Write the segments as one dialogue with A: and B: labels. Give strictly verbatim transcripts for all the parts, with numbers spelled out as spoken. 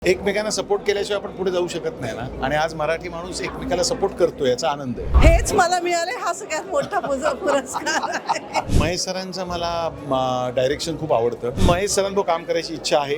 A: एकमेकांना सपोर्ट केल्याशिवाय आपण पुढे जाऊ शकत नाही ना. आणि आज मराठी माणूस एकमेकाला सपोर्ट करतो याचा आनंद आहे.
B: हेच मला मिळाले हा सगळ्यात मोठा पुज- पुरस्कार आहे.
A: महेश सरांचं मला डायरेक्शन खूप आवडतं. महेश सरांबरोबर काम करायची इच्छा आहे.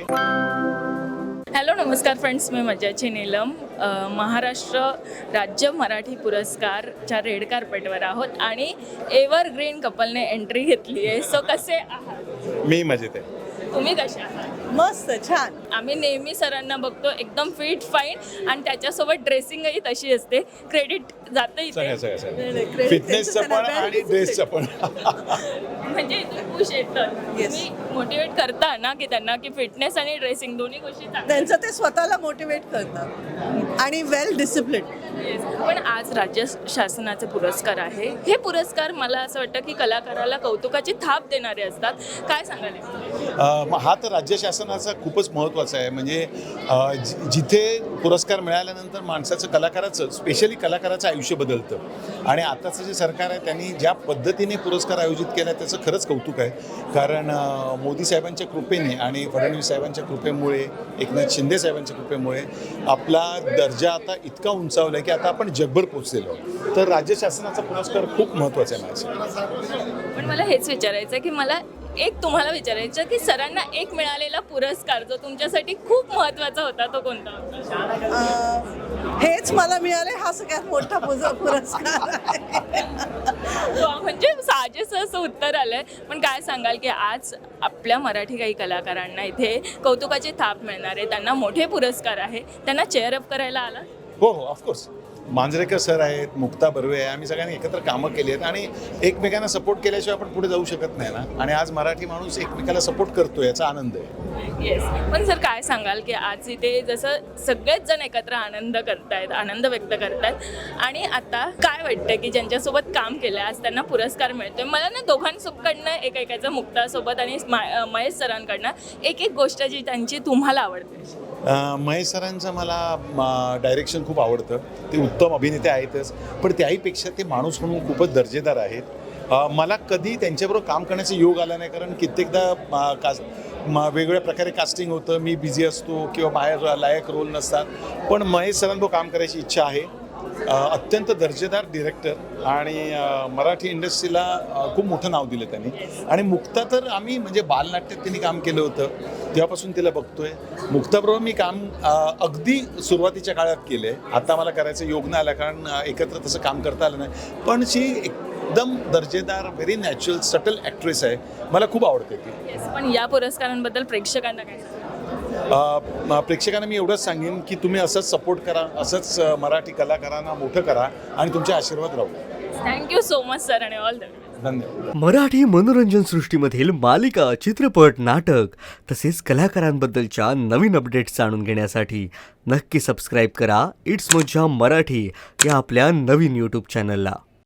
C: हॅलो नमस्कार फ्रेंड्स, मी मज्जाची नीलम. अ, महाराष्ट्र राज्य मराठी पुरस्कारच्या रेड कार्पेटवर आहोत आणि एव्हरग्रीन कपलने एंट्री घेतली आहे. सो कसे आहात?
A: मी मजेत आहे.
C: तुम्ही कसे आहात?
B: मस्त छान.
C: आम्ही नेहमी सरांना बघतो एकदम फिट फाईन आणि त्याच्याशी ड्रेसिंगही तशी असते. क्रेडिट जातं
A: सगळ्या
C: इथे,
A: सगळ्या सगळ्या
B: Credit
A: फिटनेसचं
B: त्यांचं
A: पण
B: त्यांना
A: आणि
B: very
A: ड्रेसचं पण.
C: म्हणजे इथून खुश येतं.
B: Yes.
C: तुम्ही मोटिवेट करता ना की त्यांना की फिटनेस आणि ड्रेसिंग दोन्ही गोष्टी चांगल्या.
B: त्यांचं ते स्वतःला मोटिवेट करतात आणि वेल डिसिप्लिन.
C: Yes. पण आज राज्य शासनाचे पुरस्कार आहे. हे पुरस्कार मला असं वाटतं की कलाकाराला कौतुकाची थाप देणारे असतात. काय सांगाल?
A: अ, मग हा तर राज्य शासनाचा खूपच महत्त्वाचा आहे. म्हणजे अ, जि- जिथे पुरस्कार मिळाल्यानंतर माणसाचं कलाकाराचं स्पेशली कलाकाराचं आयुष्य बदलतं. आणि आताचं जे सरकार आहे त्यांनी ज्या पद्धतीने पुरस्कार आयोजित केला त्याचं खरंच कौतुक आहे. कारण अ, मोदी साहेबांच्या कृपेने आणि फडणवीस साहेबांच्या कृपेमुळे, एकनाथ शिंदे साहेबांच्या कृपेमुळे आपला दर्जा आता इतका उंचावला आहे की आता आपण जगभर पोचलेलो. तर राज्य शासनाचा पुरस्कार खूप महत्त्वाचा आहे माझ्यासाठी.
C: पण मला हेच विचारायचं आहे की मला एक तुम्हाला विचारायचं की सरांना एक मिळालेला पुरस्कार जो तुमच्यासाठी खूप महत्त्वाचा होता तो कोणता होता?
B: अं, हेच मला मिळाले हा सगळ्यात मोठा पुज- पुरस्कार आहे.
C: वा, म्हणजे साजेसं असं उत्तर आलंय. पण काय सांगाल की आज आपल्या मराठी काही कलाकारांना इथे कौतुकाची थाप मिळणार आहे, त्यांना मोठे पुरस्कार आहे, त्यांना चेअरअप करायला आला?
A: हो हो ऑफकोर्स. मांजरेकर सर आहेत, मुक्ता बर्वे आहे, आम्ही सगळ्यांनी एकत्र कामं केली आहेत आणि एकमेकांना सपोर्ट केल्याशिवाय आपण पुढे जाऊ शकत नाही ना. आणि आज मराठी माणूस एकमेकाला सपोर्ट करतो याचा आनंद आहे.
C: येस. पण सर काय सांगाल की आज इथे जसं सगळेच जण एकत्र आनंद करतायत, आनंद व्यक्त करतायत आणि आता काय वाटतं की ज्यांच्यासोबत काम केलं आज त्यांना पुरस्कार मिळतोय. मला ना दोघांसोबतकडनं एक ऐकायचं, मुक्तासोबत आणि मा- महेश सरांकडनं एक एक गोष्ट जी त्यांची तुम्हाला आवडते.
A: अ, महेश सरांचं मला डायरेक्शन खूप आवडतं. ते उत्तम अभिनेते आहेतच, पण त्याहीपेक्षा ते माणूस म्हणून खूपच दर्जेदार आहेत. अ, मला कधी त्यांच्याबरोबर काम करण्याचा योग आला नाही, कारण कित्येकदा अ, कास म वेगवेगळ्या प्रकारे कास्टिंग होतं, मी बिझी असतो किंवा बाहेर लायक रोल नसतात. पण महेश सरांबरोबर काम करायची इच्छा आहे. अ, अत्यंत दर्जेदार डिरेक्टर आणि अ, मराठी इंडस्ट्रीला अ, खूप मोठं नाव दिलं त्यांनी. आणि मुक्ता तर आम्ही म्हणजे बालनाट्यात त्यांनी काम केलं होतं, तेव्हापासून तिला बघतोय. मुक्ताबरोबर मी काम अ, अगदी सुरुवातीच्या काळात केलं आहे. आता मला करायचं योग नाही आलं, कारण अ, एकत्र तसं काम करता आलं नाही. पण शी एकदम दर्जेदार, व्हेरी नॅचरल, सटल ॲक्ट्रेस आहे. मला खूप आवडते ती.
C: येस. पण या पुरस्कारांबद्दल प्रेक्षकांना काय सांगाल?
A: अ, प्रेक्षकांना मी एवढंच सांगेन की तुम्ही असंच सपोर्ट करा, असंच अ, मराठी कलाकारांना मोठं करा आणि तुमचे आशीर्वाद राहू.
C: थँक्यू सो मच सर आणि ऑल द बेस्ट.
A: धन्यवाद.
D: मराठी मनोरंजन सृष्टीमधील मालिका, चित्रपट, नाटक तसेच कलाकारांबद्दलच्या नवीन अपडेट्स जाणून घेण्यासाठी नक्की सबस्क्राईब करा इट्स मज्जा मराठी या आपल्या नवीन यूट्यूब चॅनलला.